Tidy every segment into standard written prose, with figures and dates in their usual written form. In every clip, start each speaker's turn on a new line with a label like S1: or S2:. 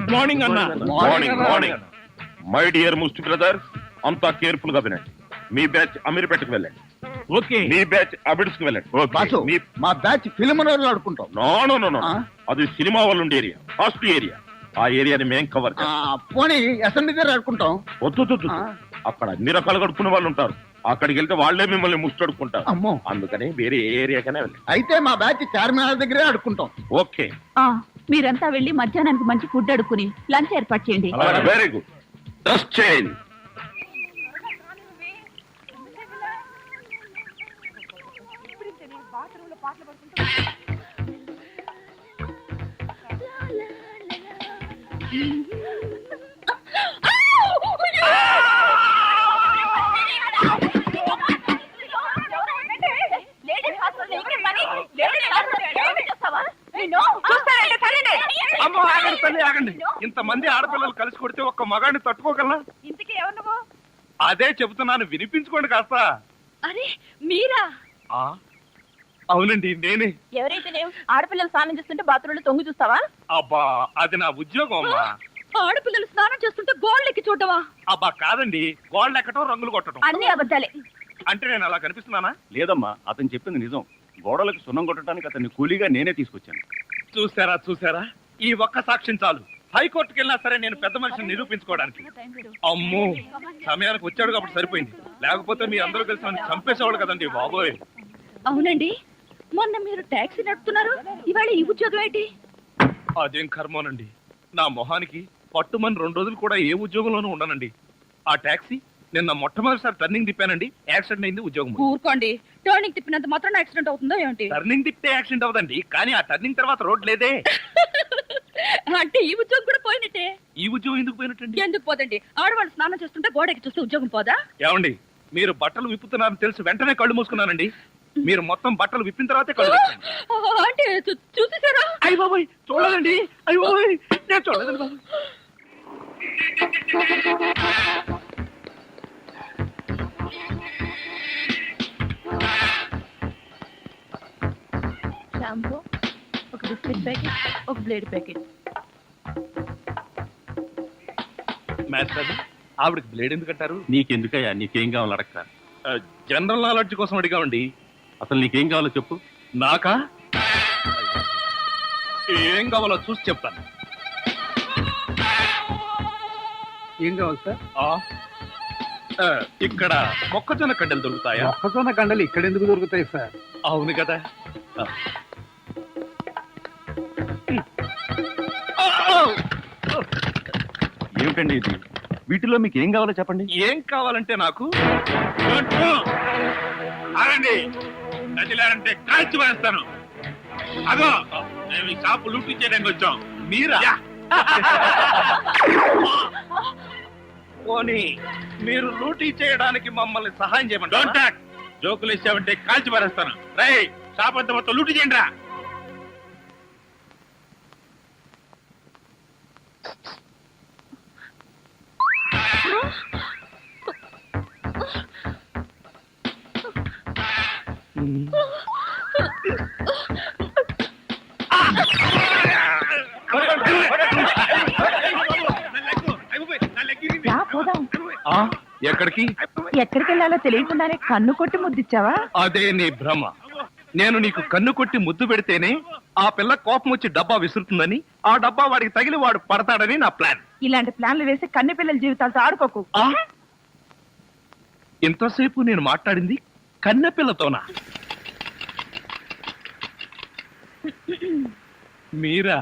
S1: Good morning అన్న.
S2: Morning morning. My dear must brother, అంతా careful గా వినండి. మీ బ్యాచ్ అమీర్పేటకు వెళ్ళండి.
S1: ఓకే.
S2: మీ బ్యాచ్ అబిడ్స్ కు వెళ్ళండి.
S3: బాసు, మా బ్యాచ్ ఫిల్మ్ నగర్ ఆడుకుంటాం.
S2: నో నో నో నో, అది సినిమా వాళ్ళు ఉండే ఏరియా, కాస్ట్లీ ఏరియా. ఆ ఏరియాని మేం కవర్
S3: పోనీ అసెంబ్లీ దగ్గర ఆడుకుంటాం.
S2: వద్దు, అక్కడ అన్ని రకాలు కడుక్కునే వాళ్ళు ఉంటారు. అక్కడికి వెళ్తే వాళ్లే మిమ్మల్ని ముష్టడుకుంటారు.
S3: అమ్మో,
S2: అందుకని వేరే ఏరియాకనే వెళ్ళండి.
S3: అయితే మా బ్యాచ్ చార్మినార్ దగ్గరే ఆడుకుంటాం.
S2: ఓకే.
S4: మీరంతా వెళ్ళి మధ్యాహ్నానికి మంచి ఫుడ్ అడుక్కుని లంచ్ ఏర్పాటు చేయండి.
S2: Very good. Dress change.
S1: ఆగండి. ఇంతమంది ఆడపిల్లలు కలిసి కొడితే ఒక్క మగాడిని తట్టుకోగలనా?
S4: ఇంతకీ ఎవరు నువ్వు?
S1: అదే చెబుతున్నాను, వినిపించుకోండి కాస్త.
S4: అరే మీరా?
S1: అవునండి, నేనే.
S4: ఎవరైతే ఆడపిల్లలు స్నానం చేస్తుంటే బాత్రూంలో తొంగి చూస్తావా?
S1: అబ్బా, అది నా ఉద్యోగం అమ్మా.
S4: ఆడపిల్లలు స్నానం చేస్తుంటే గోళ్ళెక్కి చూడవా?
S1: అబ్బా కాదండి, గోళ్ళు ఎక్కటం, రంగులు కొట్టడం.
S4: అన్ని అబద్ధాలే.
S1: అంటే నేను అలా కనిపిస్తున్నానా?
S5: లేదమ్మా, అతను చెప్పింది నిజం. గోడలకు సున్నం కొట్టడానికి అతన్ని కూలీగా నేనే తీసుకొచ్చాను.
S1: చూసారా, ఈ ఒక్క సాక్ష్యం చాలు. హైకోర్టుకి వెళ్ళినా సరే నేను పెద్ద మనిషిని నిరూపించుకోవడానికి. అమ్మో, సమయానికి వచ్చాడు కాబట్టి సరిపోయింది. లేకపోతే మీ అందరూ కలిసి నన్ను చంపేసేవాళ్ళు కదండి బాబోయ్.
S4: అవునండి, మొన్న మీరు టాక్సీ నడుపుతున్నారు, ఇవాళ ఈ ఉద్యోగం ఏంటి?
S1: అదేం కర్మోనండి, నా మొహానికి పట్టుమని 2 రోజులు కూడా ఏ ఉద్యోగంలోనూ ఉండనండి. ఆ టాక్సీ నిన్న మొట్టమొదటిసారి టర్నింగ్ తిప్పానండి, యాక్సిడెంట్ అయింది, ఉద్యోగం.
S4: ఊరుకోండి, టర్నింగ్ తిప్పినంత మాత్రం యాక్సిడెంట్ అవుతుందో ఏంటి?
S1: టర్నింగ్ తిప్పితే యాక్సిడెంట్ అవదండి, కానీ ఆ టర్నింగ్ తర్వాత రోడ్ లేదే.
S4: అంటే ఈ ఉద్యోగం కూడా పోయినట్టే.
S1: ఈ ఉద్యోగం ఎందుకు పోయినట్టండి?
S4: ఎందుకు పోదండి, ఆడవాళ్ళు స్నానం చేస్తుంటే గోడకి చూస్తే ఉద్యోగం పోదా?
S1: ఏమండి, మీరు బట్టలు విప్పుతున్నారని తెలిసి వెంటనే కళ్ళు మూసుకున్నానండి. మీరు మొత్తం బట్టలు విప్పిన తర్వాతే కళ్ళు
S4: అంటే చూసేసారా?
S1: అయ్య బాబోయ్, చూడలేదండి. అయ్య బాబోయ్, నేను చూడలేదండి బాబు.
S4: షాంపూ, ఒక బిస్కెట్ ప్యాకెట్, ఒక బ్లేడ్ ప్యాకెట్.
S1: మాస్టర్, ఆవిడకి బ్లేడ్ ఎందుకు అంటారు?
S5: నీకెందుకయ్యా, నీకేం కావాలో అడగరా.
S1: జనరల్ నాలెడ్జ్ కోసం అడిగామండి.
S5: అసలు నీకేం కావాలో చెప్పు.
S1: నాకా? ఏం కావాలో చూసి చెప్తాను.
S3: ఏం కావాలి సార్?
S1: ఇక్కడ మొక్కజొన్న కండలు దొరుకుతాయా?
S3: మొక్కజొన్న కండలు ఇక్కడ ఎందుకు దొరుకుతాయి సార్?
S1: అవును కదా.
S5: ఏమిటండి ఇది? వీటిలో మీకు ఏం కావాలో చెప్పండి.
S1: ఏం కావాలంటే నాకు నదిలారంటే కాల్చి వేస్తాను. అదో మేము ఈ షాపు లూటీ చేయడానికి వచ్చాం. మీరా? పోనీ మీరు లూటీ చేయడానికి మమ్మల్ని సహాయం చేయమండి. Don't talk. జోకులు ఇచ్చామంటే కాల్చి పారేస్తాను. రై, షాప్ అంతా మొత్తం లూటీ చేయండి రా. ఎక్కడికి
S4: ఎక్కడికి వెళ్ళాలో తెలియకుండానే కన్ను కొట్టి ముద్దిచ్చావా?
S1: అదే నీ భ్రమ. నేను నీకు కన్ను కొట్టి ముద్దు పెడితేనే ఆ పిల్ల కోపం వచ్చి డబ్బా విసురుతుందని, ఆ డబ్బా వాడికి తగిలి వాడు పడతాడని నా ప్లాన్.
S4: ఇలాంటి ప్లాన్లు వేసి కన్నె పిల్లల జీవితాలతో ఆడుకోకు.
S1: ఇంతసేపు నేను మాట్లాడింది కన్నె పిల్లతోనా? మీరా?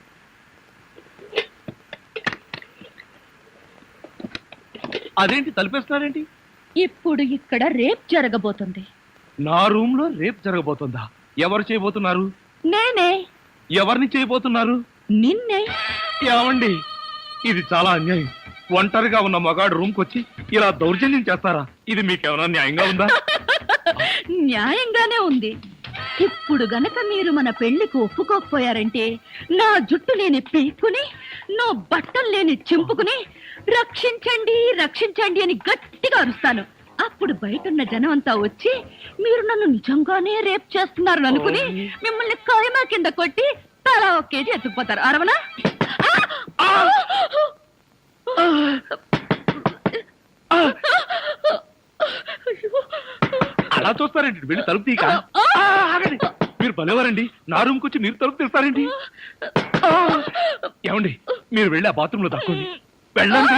S1: అదేంటి తలిపేస్తున్నారేంటి?
S4: ఇప్పుడు ఇక్కడ రేప్ జరగబోతుంది.
S1: నా రూమ్ లో రేప్ జరగబోతుందా? ఎవరు చేయబోతున్నారు?
S4: నేనే.
S1: ఎవరిని చేయబోతున్నారు?
S4: నిన్నే.
S1: ఏమండి, ఇది చాలా అన్యాయం. ఒంటరిగా ఉన్న మగాడు రూమ్ కొచ్చి ఇలా దౌర్జన్యం చేస్తారా? ఇది మీకేమైనా న్యాయంగా ఉందా?
S4: న్యాయంగానే ఉంది. ఇప్పుడు గనక మీరు మన పెళ్లికి ఒప్పుకోకపోయారంటే నా జుట్టు లేని పీక్కుని, నా బట్టలు లేని చింపుకుని రక్షించండి రక్షించండి అని గట్టిగా అరుస్తాను. అప్పుడు బయటున్న జనం అంతా వచ్చి మీరు నన్ను నిజంగానే రేప్ చేస్తున్నారు అనుకుని మిమ్మల్ని కాయమా కింద కొట్టి తలా 1 కేజీ ఎత్తుకుపోతారు. అరవనా?
S1: అలా చూస్తారేంటి? వెళ్ళి తలుపు తీక. ఆగండి, మీరు భలేవారండి. నా రూమ్కి వచ్చి మీరు తలుపు తీస్తారేంటి? ఏమండి, మీరు వెళ్ళి ఆ బాత్రూంలో దక్కండి. వెళ్ళండి.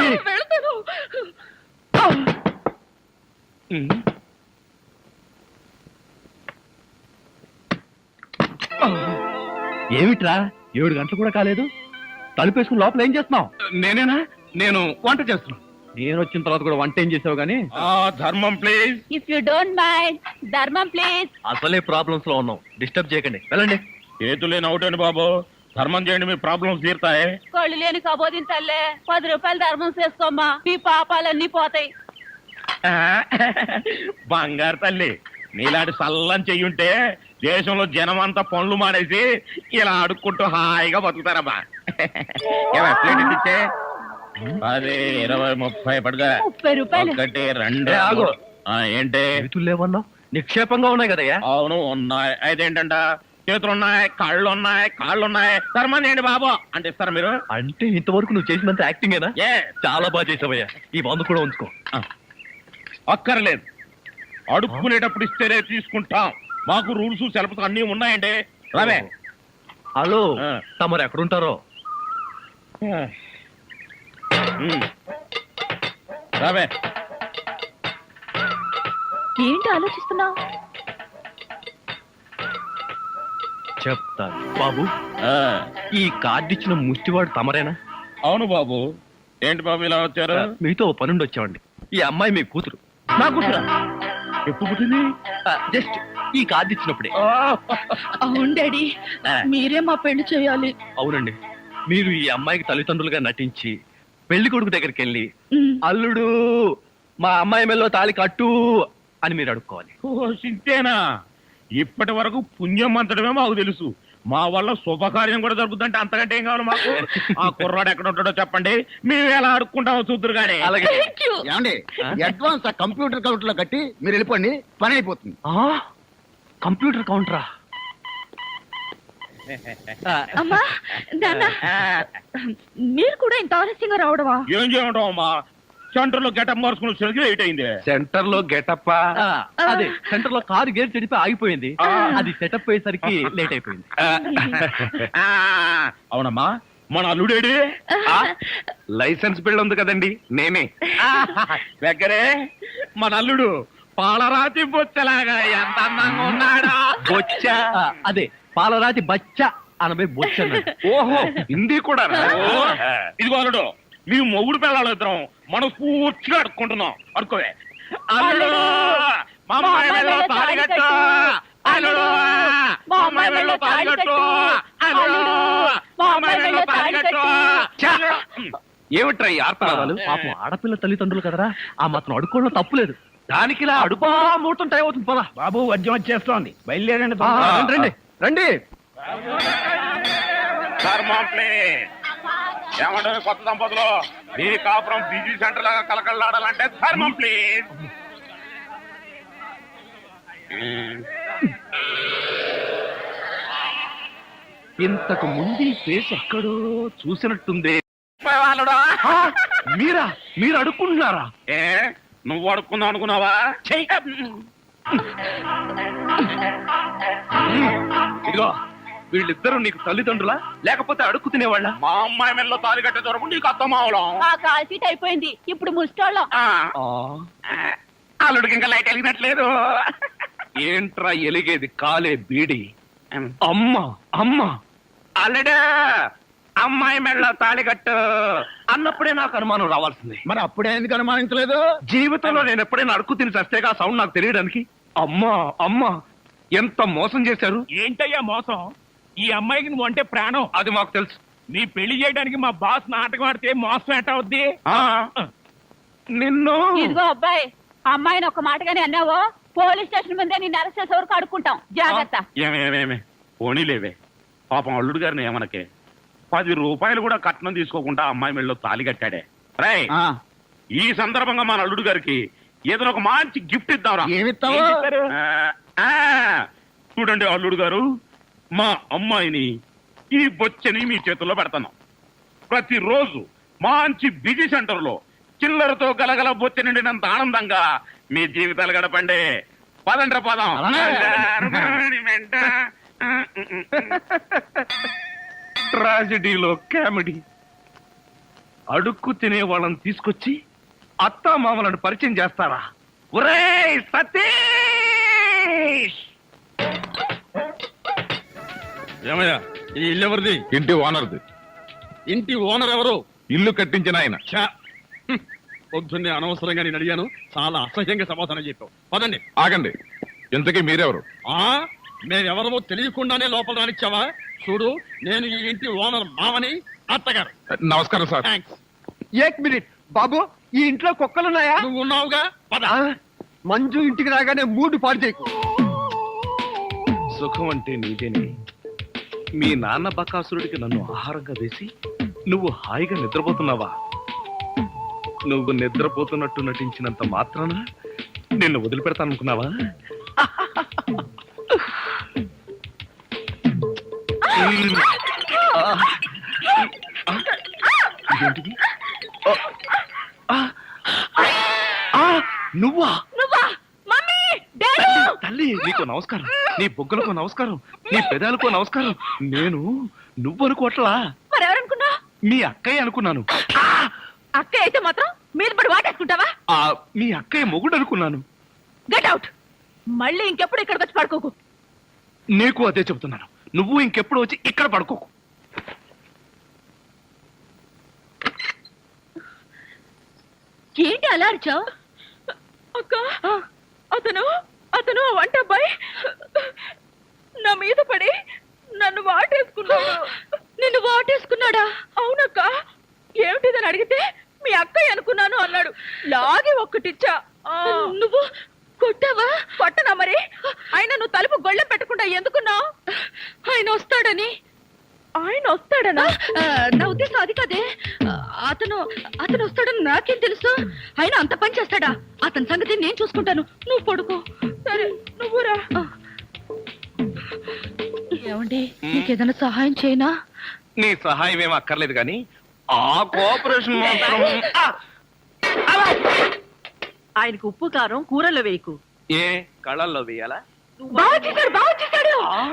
S6: ఏమిట్రా 7 గంటలు కూడా కాలేదు, తలుపేసుకుని లోపల ఏం చేస్తున్నావు?
S1: నేనేనా? నేను వంట చేస్తున్నాను.
S6: నేను వచ్చిన తర్వాత కూడా వంట ఏం చేసావు గానీ
S2: ధర్మం please.
S4: If you don't mind, ధర్మం ప్లీజ్.
S6: అసలే ప్రాబ్లమ్స్ లో ఉన్నాం, డిస్టర్బ్ చేయకండి, వెళ్ళండి.
S2: చేతులేని అవుటండి బాబు, ధర్మం చేయండి, మీ ప్రాబ్లమ్స్ తీరుతాయి.
S4: కళ్ళు లేని కబోదింతల్లే 10 రూపాయలు ధర్మం చేసుకోమ్మా, మీ పాపాలన్నీ పోతాయి.
S2: బంగారు తల్లి, నీలాంటి సల్లం చెయ్యుంటే దేశంలో జనం అంతా పనులు మానేసి ఇలా అడుక్కుంటూ హాయిగా బతుకుతారమ్మా. ప్లేట్ ఇచ్చే 10, 20, 30 పడుగా.
S4: 30 రూపాయలు.
S2: 1, 2.
S6: ఏ, ఆగు.
S2: ఏంటి?
S6: చేతులు లేవన్నావు, నిక్షేపంగా ఉన్నాయి కదయ్యా.
S2: అవును ఉన్నాయి. అయితేంటంట, చేతులున్నాయి, కాళ్ళున్నాయి, ధర్మం చేయండి బాబు అంటే ఇస్తారా మీరు?
S6: అంటే ఇంతవరకు నువ్వు చేసినంత యాక్టింగేనా?
S2: ఏ
S6: చాలా బాగా చేసావయ్యా, ఈ 100 కూడా ఉంచుకో.
S2: అక్కర్లేదు, అడుక్కునేటప్పుడు ఇస్తేనే తీసుకుంటాం. మాకు రూల్స్ సెలవులు అన్ని ఉన్నాయండి. రావే.
S6: హలో,
S2: ఆ.
S6: తమరు ఎక్కడుంటారో?
S2: రావే.
S4: ఏంటి ఆలోచిస్తున్నావు?
S6: చెప్తాను బాబు.
S2: ఆ,
S6: ఈ కార్డు ఇచ్చిన ముష్టివాడు తమరేనా?
S2: అవును బాబు. ఏంటి బాబు ఇలా వచ్చారు?
S6: మీతో ఓ పనుండి వచ్చామండి. ఈ అమ్మాయి మీ కూతురు.
S2: నా కూతురా? ఎప్పుడు పుట్టింది?
S6: జస్ట్ ఈ కార్డు ఇచ్చినప్పుడే.
S4: అవును డాడీ, మీరే మా పెళ్లి చేయాలి.
S6: అవునండి, మీరు ఈ అమ్మాయికి తల్లిదండ్రులుగా నటించి పెళ్లి కొడుకు దగ్గరికి వెళ్ళి అల్లుడు మా అమ్మాయి మెల్లో తాళి కట్టు అని మీరు అడుక్కోవాలి.
S2: ఓ సింతేనా? ఇప్పటి వరకు పుణ్యం అంతటమే మాకు తెలుసు. మా వల్ల శుభకార్యం కూడా జరుగుతుందంటే అంతకంటే ఏం కావాలి మాకు? ఆ కుర్రాడు ఎక్కడ ఉంటాడో చెప్పండి, మేము ఎలా అడుక్కుంటామో చూద్దరు కానీ.
S6: అలాగే.
S4: Thank you.
S3: ఏమండి, అడ్వాన్స్ ఆ కంప్యూటర్ కౌంటర్ లో కట్టి మీరు వెళ్ళిపోండి, పని అయిపోతుంది.
S6: కంప్యూటర్ కౌంటరా?
S4: అమ్మా, నాన్న, మీరు కూడా ఇంత ఆలస్యంగా రావడమా?
S2: ఏం చేయమంటావు అమ్మా? సెంటర్ లో గెటప్ మార్చుకుని వచ్చేసరికి లేట్ అయింది.
S1: సెంటర్ లో గెటప్.
S6: అదే సెంటర్ లో కారు గేర్ చెడిపి ఆగిపోయింది, అది సెటప్ అయ్యేసరికి లేట్ అయిపోయింది.
S2: ఆ, అవునమ్మా, మన అల్లుడేడి?
S1: లైసెన్స్ బిల్ ఉంది కదండి, నేనే.
S2: దగ్గరే మన అల్లుడు పాలరాతి బొచ్చలాగా ఎంత అందంగా ఉన్నాడా?
S1: బొచ్చ.
S6: అదే పాలరాతి బచ్చ అనబై బొచ్చ అన్నాడు.
S1: ఓహో, హిందీ కూడా.
S2: ఇదిగో అల్లుడు, మీ మొగుడు పిల్లలు ఇద్దరం మనం పూర్తిగా అడుక్కుంటున్నాం. అడుకోవే. అల్లుడు, మా అమ్మాయి మెడలో తాళి కట్టు. అల్లుడు, మా అమ్మాయి మెడలో తాళి కట్టు. అల్లుడు, మా అమ్మాయి మెడలో తాళి కట్టు.
S1: ఏమిట్రా ఈ ఆర్తనాదాలు?
S6: పాపం ఆడపిల్ల తల్లిదండ్రులు కదరా, ఆ మాత్రం అడుక్కోవడం తప్పులేదు.
S1: దానికి ఇలా అడుపా ముహూర్తం టైం అవుతుంది. పదా
S3: బాబు, వద్యం వచ్చేస్తోంది, బయలుదేరండి.
S6: రండి రండి.
S2: ఏమంటారు కొత్త దంపతులు? మీ కాపురం బిజీ సెంటర్ లాగా కలకలాడాలంటే ధర్మం ప్లీజ్.
S1: ఇంతకు ముందు ఈ ఫేస్ ఎక్కడో చూసినట్టుంది.
S2: వాళ్ళుడా?
S1: మీరా? మీరు అడుక్కుంటున్నారా?
S2: ఏ నువ్వు అడుక్కుందాం అనుకున్నావా?
S1: ఇదిగో, వీళ్ళిద్దరూ నీకు తల్లిదండ్రులా లేకపోతే అడుక్కు తినేవాళ్ళ?
S2: మా అమ్మాయి మెల్లో తాళి కట్టే దొరకు నీకు అర్థం అవడం.
S4: ఆ కాల్ సీట్ అయిపోయింది, ఇప్పుడు ముస్టోళ్ళం.
S2: అల్లుడికి ఇంకా లైట్ వెలిగినట్లేదు.
S1: ఏంట్రా ఎలిగేది? కాలే బీడి. అమ్మ అమ్మ,
S2: అల్లుడు అమ్మాయి మెల్లో తాళి కట్టు
S1: అన్నప్పుడే నాకు అనుమానం రావాల్సింది.
S3: మరి అప్పుడే ఎందుకు అనుమానించలేదు?
S1: జీవితంలో నేను ఎప్పుడైనా అడుక్కు తిని చస్తేగా ఆ సౌండ్ నాకు తెలియడానికి. అమ్మా అమ్మా, ఎంత మోసం చేశారు.
S7: ఏంటయ్యా మోసం? ఈ అమ్మాయికి నువ్వు అంటే ప్రాణం.
S1: అది మాకు తెలుసు.
S7: నీ పెళ్లి చేయడానికి మా బాస్ నాటకం ఆడితే మోసం ఎట్ట అవుద్ది?
S1: నిన్ను
S4: ఇదిగో అబ్బాయి, అమ్మాయిని ఒక మాటగానే అన్నావో పోలీస్ స్టేషన్ ముందే నిన్ను అరెస్ట్ చేసే వరకు అడుక్కుంటాం, జాగ్రత్త.
S2: ఏమేమేమే పోనీలేవే, పాపం అల్లుడు గారిని ఏమనకే. 10 రూపాయలు కూడా కట్నం తీసుకోకుండా అమ్మాయి మెళ్ళలో తాళి కట్టాడే. రై, ఈ సందర్భంగా మన అల్లుడు గారికి ఏదైనా ఒక మంచి గిఫ్ట్ ఇద్దాంరా.
S3: ఏమిస్తావు?
S2: చూడండి అల్లుడు గారు, మా అమ్మాయిని ఈ బొచ్చని మీ చేతుల్లో పెడతాను. ప్రతిరోజు మంచి బిజీ సెంటర్ లో చిల్లరతో గలగల బొత్తి నిండినంత ఆనందంగా మీ జీవితాలు గడపండి. పదండ్ర పదం.
S1: ట్రాజడీలో కామెడీ. అడుక్కు తినే వాళ్ళని తీసుకొచ్చి అత్తా మామలను పరిచయం చేస్తారా? ఒరేయ్ సతీష్!
S6: ఏమయ్యా ఈ ఇల్లు ఎవరిది?
S5: ఇంటి ఓనర్ది.
S6: ఇంటి ఓనర్ ఎవరు?
S5: ఇల్లు కట్టించిన ఆయన.
S6: పొద్దున్నే అనవసరంగా నేను అడిగాను, చాలా అసహ్యంగా సమాధానం చెప్పావు. పదండి.
S5: ఆగండి, ఇంతకీ మీరెవరు?
S6: మేమెవరమో తెలియకుండానే లోపల రానిచ్చావా? చూడు, నేను ఈ ఇంటి ఓనర్ మామని, అత్తగారు.
S5: నమస్కారం సార్.
S6: థ్యాంక్స్.
S3: ఏక్ మినిట్ బాబు, ఈ ఇంట్లో కుక్కలున్నాయా?
S6: నువ్వు ఉన్నావుగా, పద.
S3: మంజు ఇంటికి రాగానే మూడు పాడు చేయకు.
S1: సుఖం అంటే నీదేనే. మీ నాన్న బకాసురుడికి నన్ను ఆహారంగా వేసి నువ్వు హాయిగా నిద్రపోతున్నావా? నువ్వు నిద్రపోతున్నట్టు నటించినంత మాత్రాన నిన్ను వదిలిపెడతాననుకున్నావా? ఇదేంటిది? నువ్వా?
S4: Mummy, daddy!
S1: తల్లి, నీకు నమస్కారం. నీ బొగ్గలకు నమస్కారం, నీ పెదాలకు నమస్కారం. నేను నువ్వు అనుకోవట్లా,
S4: మరెవరనుకున్నా?
S1: మీ అక్కయ్య అనుకున్నాను.
S4: అక్క అయితే మాత్రం మీద పడి వాటేసుకుంటావా?
S1: మీ అక్కయ్య మొగుడు అనుకున్నాను.
S4: Get out. మళ్ళీ ఇంకెప్పుడు ఇక్కడికి వచ్చి పడుకోకు.
S1: నీకు అదే చెబుతున్నాను. నువ్వు ఇంకెప్పుడు వచ్చి ఇక్కడ పడుకోకు.
S4: ఏంటి అలా అరిచావు? అక్క, అతను వంట అబ్బాయి నా మీద పడి నన్ను వాటేసుకున్నాడు. నిన్ను వాటేసుకున్నాడా? అవునక్క. ఏమిటిదని అడిగితే మీ అక్కయ్య అనుకున్నాను అన్నాడు. లాగి ఒక్కటిచ్చా. నువ్వు కొట్టావా? కొట్టనా మరి. ఆయన నువ్వు తలుపు గొళ్ళెం పెట్టకుండా ఎందుకున్నావు? ఆయన వస్తాడని. ఆయన వస్తాడనా? నా ఉద్దేశం అది కాదే. అతను వస్తాడని నాకేం తెలుసు? ఆయన అంత పని చేస్తాడా? అతని సంగతి నేను చూసుకుంటాను, నువ్వు పడుకో. సరే, నువ్వు రా. ఏమండి, నీకేదైనా సహాయం చేయనా?
S1: నీ సహాయం ఏం అక్కర్లేదు కానీ ఆ కోఆపరేషన్ మాత్రం.
S8: ఆయనకు ఉప్పు కారం కూరలో వేయకు.
S1: ఏ కళ్ళల్లో వేయాలా?
S4: బాగా చేశాడు, బాగా చేశాడు.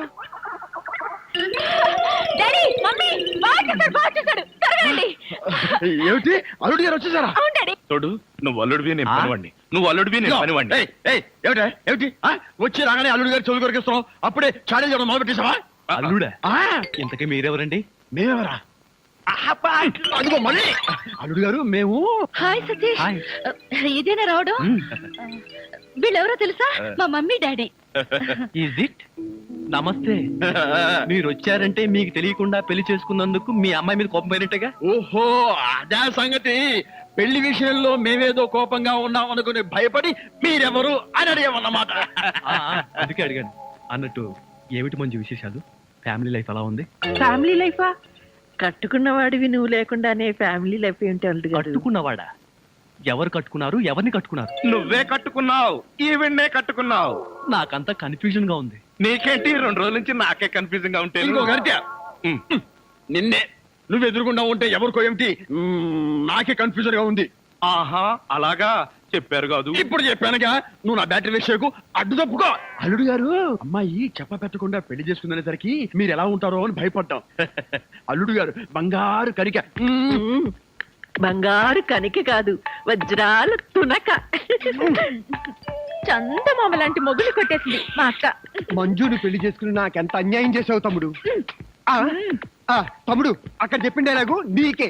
S4: డాడీ, మమ్మీ, బాగా చేశాడు. త్వరగా.
S3: ఏమిటి, అల్లుడు గారు వచ్చేసారా?
S4: అవును డాడీ.
S1: తోడు, నువ్వు అల్లుడివి నేను పనివాడిని, నువ్వు అల్లుడివి నేను పనివాడిని.
S3: ఏమిటి వచ్చి రాగానే అల్లుడు గారు చెవులు కొరికిస్తున్నావు? అప్పుడే చాడీ చేయడం మొదలు పెట్టేసావా?
S6: అల్లుడా? ఇంతకీ మీరెవరండి?
S3: మేమెవరా? అదిగో మళ్ళీ. అల్లుడు గారు మేము.
S4: హాయ్ సతీష్.
S6: హాయ్.
S4: ఇదేనా రావడం? వీళ్ళెవరో తెలుసా? మా మమ్మీ డాడీ.
S6: Is it? నమస్తే. మీరు వచ్చారంటే మీకు తెలియకుండా పెళ్లి చేసుకున్నందుకు మీ అమ్మాయి మీద కోపం పోయినట్టుగా.
S3: ఓహో, అదే సంగతి. పెళ్లి విషయంలో మేమేదో కోపంగా ఉన్నాం అనుకుని భయపడి మీరెవరు అని అడిగామన్నమాట.
S6: అందుకే అడిగాను. అన్నట్టు ఏమిటి మంచి విశేషాలు? ఫ్యామిలీ లైఫ్ ఎలా ఉంది?
S8: ఫ్యామిలీ లైఫా? కట్టుకున్నవాడివి నువ్వు లేకుండానే ఫ్యామిలీ లైఫ్ ఏంటి అల్లుడు గారు?
S6: కట్టుకున్నవాడా? ఎవరు కట్టుకున్నారు? ఎవరిని కట్టుకున్నారు?
S1: నువ్వే కట్టుకున్నావు, ఈవెన్నే కట్టుకున్నావు.
S6: నాకంతా కన్ఫ్యూజన్ గా ఉంది.
S1: నీకేంటి, 2 రోజుల నుంచి నాకే కన్ఫ్యూజింగ్ గా ఉంటే.
S3: ఇంకో గరిట. నిన్నే నువ్వు ఎదురుకుండా ఉంటే ఎవరికో ఏమిటి నాకే కన్ఫ్యూజన్ గా ఉంది.
S1: ఆహా, అలాగా చెప్పారు కాదు.
S3: ఇప్పుడు చెప్పానుగా, నువ్వు నా బ్యాటరీ విషయకు అడ్డు తప్పుకో. అల్లుడు గారు, అమ్మాయి చెప్ప పెట్టకుండా పెళ్లి చేసుకునేసరికి మీరు ఎలా ఉంటారో అని భయపడ్డాం. అల్లుడు గారు బంగారు కరిక.
S8: బంగారు కనిక కాదు, వజ్రాల తునక.
S4: చందమామ లాంటి మొగులు కొట్టేసింది మా అక్క.
S3: మంజుని పెళ్లి చేసుకుని నాకెంత అన్యాయం చేసావు తమ్ముడు. తమ్ముడు, అక్కడ చెప్పిండేలాగు నీకే.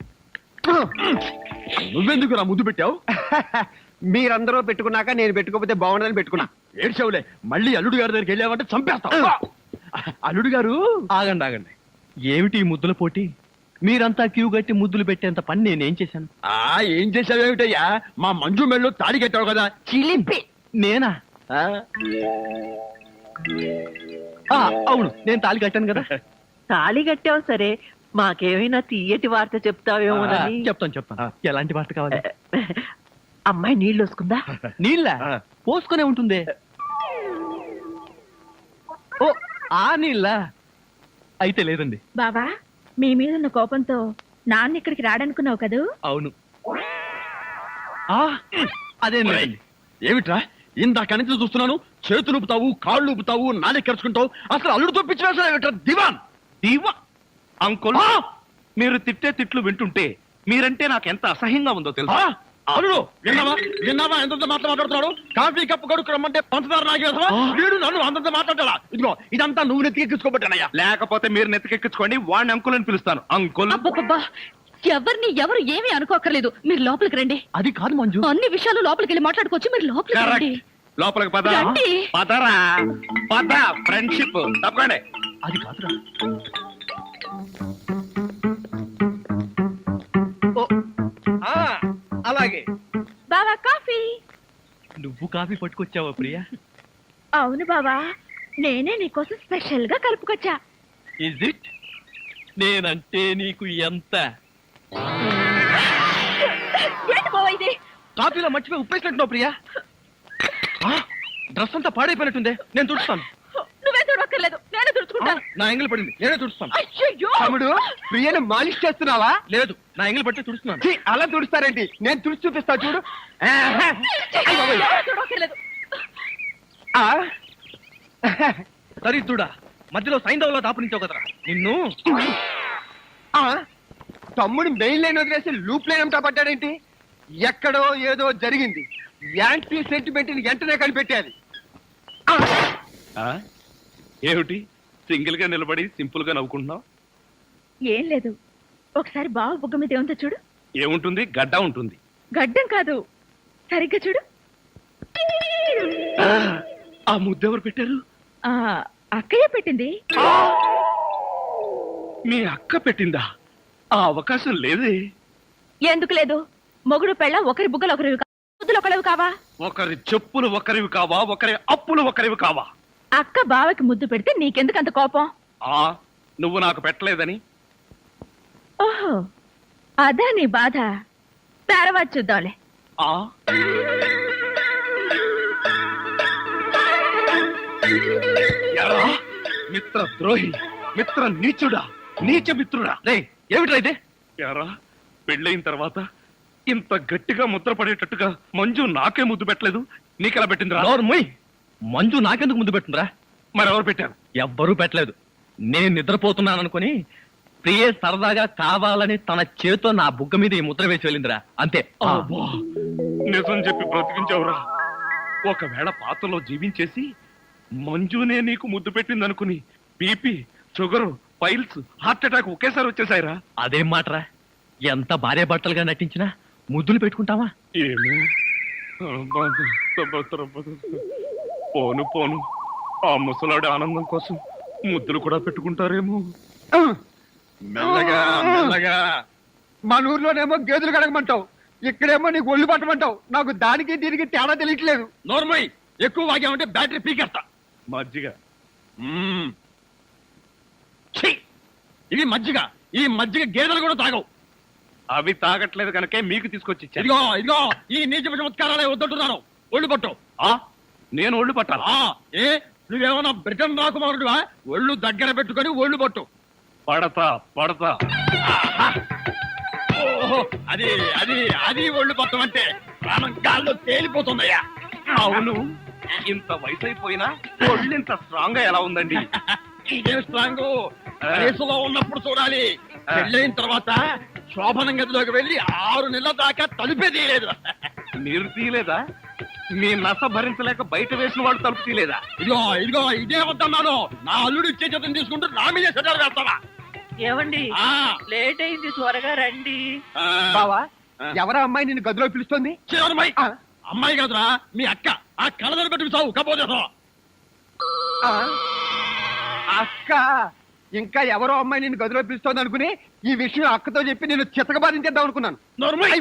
S3: నువ్వెందుకు నా ముద్దు పెట్టావు? మీరందరూ పెట్టుకున్నాక నేను పెట్టుకోకపోతే బాగుండదని పెట్టుకున్నా. ఏడ్చావులే, మళ్ళీ అల్లుడు గారి దగ్గరికి వెళ్ళావంటే చంపేస్తావు. అల్లుడు గారు,
S6: ఆగండి. ఏమిటి ఈ ముద్దుల పోటీ? మీరంతా క్యూ కట్టి ముద్దులు పెట్టేంత పని నేనేం చేశాను?
S3: ఏం చేసావేమిటయ్యా? మా మంజు మెళ్ళు తాడి కట్టావు కదా, చిలిపి.
S6: నేనా? అవును, నేను తాళి కట్టాను కదా.
S8: తాళి కట్టావు సరే, మాకేమైనా తీయటి వార్త చెప్తావేమోనని.
S6: చెప్తాను. ఎలాంటి వార్త కావాలి?
S8: అమ్మాయి నీళ్ళు వస్తుందా?
S6: నీళ్ళ పోసుకునే ఉంటుంది. ఓ, ఆ నీళ్ళ అయితే లేదండి.
S4: బావా, మీ మీద ఉన్న కోపంతో నాన్న ఇక్కడికి రాడనుకున్నావు కదూ?
S6: అవును.
S3: అదే ఏమిట్రా ఇందాక నుంచి చూస్తున్నాను, చేతులు ఊపుతావు, కాళ్ళు ఊపుతావు, నాలుగు ఖర్చుకుంటావు, అసలు అల్లుడు తప్పించిన దివాన్
S1: దీవా అంకుల్, మీరు తిట్టే తిట్లు వింటుంటే మీరంటే నాకు ఎంత అసహ్యంగా ఉందో తెలుసా?
S3: అల్లుడు విన్నావా ఎంత మాట్లాడుతున్నాడు? కాఫీ కప్పు కొడుకు రమ్మంటే పంచదార నాగేసా వీడు నన్ను అంతంత మాట్లాడాలా? ఇదిగో ఇదంతా నువ్వు నెత్తికెక్కించుకోబట్టానయ్యా.
S1: లేకపోతే మీరు నెత్తికెక్కించుకోండి, వాడిని అంకుల్ అని పిలుస్తాను. అంకుల్
S4: అబ్బబ్బబ్బా, ఎవరు ఏమీ అనుకోకర్లేదు. మీరు లోపలికి రండి.
S3: అది కాదు మంజు,
S4: అన్ని విషయాలు లోపలికి వెళ్ళి మాట్లాడుకోవచ్చు. మీరు లోపలికి రండి.
S1: లోపలికి పద.
S4: రండి.
S1: పదరా పద, ఫ్రెండ్షిప్ తప్పకండి.
S3: అది కాదురా.
S6: అలాగే.
S4: బావా కాఫీ.
S6: నువ్వు కాఫీ పట్టుకొచ్చావా ప్రియా?
S4: అవును బావా, నేనే నీకోసం స్పెషల్ గా కలుపుకొచ్చా.
S6: Is it? నేనంటే నీకు ఎంత?
S4: ఏంటి బావా ఇది?
S6: కాఫీలో మర్చిపోయి ఉప్పేసినట్టున్నావు ప్రియా. డ్రెస్ అంతా పాడైపోయినట్టుందే, నేను తుడుస్తాను.
S4: నువ్వే చూడక్కర్లేదు, నేనే తుడుచుకుంటాను.
S6: నా ఎంగిల్ పడింది, నేనే తుడుస్తాను.
S4: అయ్యయ్యో.
S3: తమ్ముడు ప్రియను మాలిష్ చేస్తున్నావా?
S6: లేదు, నా ఎంగిల్ పట్టి తుడుస్తున్నాను.
S3: ఛీ, అలా తుడుస్తారేంటి? నేను తుడిచి చూపిస్తా చూడు.
S4: ఎవరు చూడక్కర్లేదు.
S6: దరిద్రుడా, మధ్యలో సైంధవ్లో దాపునించావు కదరా నిన్ను.
S3: తమ్ముడు మెయిన్ లైన్ వదిలేసి లూప్ లైన్ అంతా పడ్డాడేంటి? ఎక్కడో ఏదో జరిగింది. యాంటీ సెంటిమెంట్ వెంటనే కనిపెట్టాలి.
S1: ఏమిటి సింగిల్ గా నిలబడి సింపుల్ గా నవ్వుకుంటున్నావు?
S4: ఏం లేదు, ఒకసారి బావ బుగ్గ మీద ఏముందో చూడు.
S1: ఏముంటుంది? గడ్డ ఉంటుంది.
S4: గడ్డం కాదు, సరిగ్గా చూడు.
S1: ఆ ముద్దెవరు పెట్టారు?
S4: ఆ అక్కయ్య పెట్టింది.
S1: మీ అక్క పెట్టిందా? ఆ అవకాశం లేదే.
S4: ఎందుకు లేదు? మొగుడు పెళ్ళ ఒకరి బుగ్గలు ఒకరివి బుద్ధులు ఒకరివి కావా?
S1: ఒకరి చెప్పులు ఒకరివి కావా? ఒకరి అప్పులు ఒకరివి కావా?
S4: అక్క బావకి ముద్దు పెడితే నీకెందుకు అంత కోపం?
S1: నువ్వు నాకు పెట్టలేదని.
S4: ఓహో, అదా నీ బాధ. తర్వాత చూద్దాంలే.
S1: ఎరా, మిత్ర ద్రోహి, మిత్ర నీచుడా, నీచ మిత్రుడా.
S6: ఏమిట్రా ఇది?
S1: ఎరా, పెళ్ళైన తర్వాత ఇంత గట్టిగా ముద్ర పడేటట్టుగా మంజు నాకే ముద్దు పెట్టలేదు, నీకెలా పెట్టిందిరా?
S6: నోర్మోయ్, మంజు నాకెందుకు ముందు పెట్టుందిరా?
S1: మరెవరు పెట్టారు?
S6: ఎవ్వరూ పెట్టలేదు. నేను నిద్రపోతున్నాను అనుకుని ప్రియే సరదాగా కావాలని తన చేతో నా బుగ్గ మీద ఈ ముద్ర వేసి వెళ్ళిందిరా, అంతే.
S1: అబ్బా, నిజం చెప్పి బ్రతికించావురా. ఒకవేళ పాతలో జీవించేసి మంజునే నీకు ముద్దు పెట్టింది అనుకుని BP, sugar, piles, heart attack ఒకేసారి వచ్చేసాయిరా.
S6: అదేం మాటరా, ఎంత భార్య భర్తలుగా నటించినా ముద్దులు పెట్టుకుంటావా?
S1: ఏమో, పోను పోను, ఆ ముసలాడి ఆనందం కోసం ముద్దులు కూడా పెట్టుకుంటారేమో.
S3: మెల్లగా మెల్లగా. మన ఊర్లోనేమో గేదెలు కడగమంటావు, ఇక్కడేమో నీకు ఒళ్ళు పట్టమంటావు. నాకు దానికి దీనికి తేడా తెలియట్లేదు.
S6: నోర్మోయ్, ఎక్కువ వాగామంటే బ్యాటరీ పీకేస్తా.
S1: మజ్జిగ.
S3: ఇది మజ్జిగ. ఈ మజ్జిగ గేదెలు కూడా తాగవు.
S1: అవి తాగట్లేదు కనుకే మీకు తీసుకొచ్చి ఇచ్చాను.
S3: ఇదిగో ఇదిగో, ఈ నీచ చమత్కారాలే వద్దంటున్నాను. ఒళ్ళు పట్టు.
S1: నేను ఒళ్ళు పట్టాలా?
S3: ఏ నువ్వేమన్నా బ్రిటన్ రాకుమారుడువా? ఒళ్ళు దగ్గర పెట్టుకొని ఒళ్ళు పట్టు.
S1: పడతా పడతా.
S3: ఓహో, అది అది అది ఒళ్ళు పట్టం అంటే ప్రాణం గాల్లో తేలిపోతుందయ్యా.
S1: అవును, ఇంత వయసు అయిపోయినా ఒళ్ళు ఇంత స్ట్రాంగ్ గా ఎలా ఉందండి?
S3: ఇదే స్ట్రాంగ్ వయసులో ఉన్నప్పుడు చూడాలి. పెళ్ళైన తర్వాత శోభనం గదిలోకి వెళ్ళి 6 నెలల దాకా తలుపే తీయలేదు.
S1: మీరు తీయలేదా? మీ నస భరించలేక బయట వేసిన వాళ్ళు తలుపు తీయలేదా?
S3: ఇదిగో ఇదిగో, ఇదే వద్దన్నాను. నా అల్లుడు ఇచ్చే చేతం తీసుకుంటూ నా మీదే సెటర్ వేస్తావా?
S8: ఏమండి, లేట్ అయింది, త్వరగా రండి.
S3: బావా, ఎవరా అమ్మాయి నిన్ను గదిలో పిలుస్తుంది? అమ్మాయి కాదురా, మీ అక్క. ఆ కళ్ళదర పెట్టి చావు కపోతే అక్క. ఇంకా ఎవరో అమ్మాయి నిన్ను గదిలో పిలుస్తోంది అనుకుని ఈ విషయం అక్కతో చెప్పి నేను చితకబాధించేద్దాం అనుకున్నాను.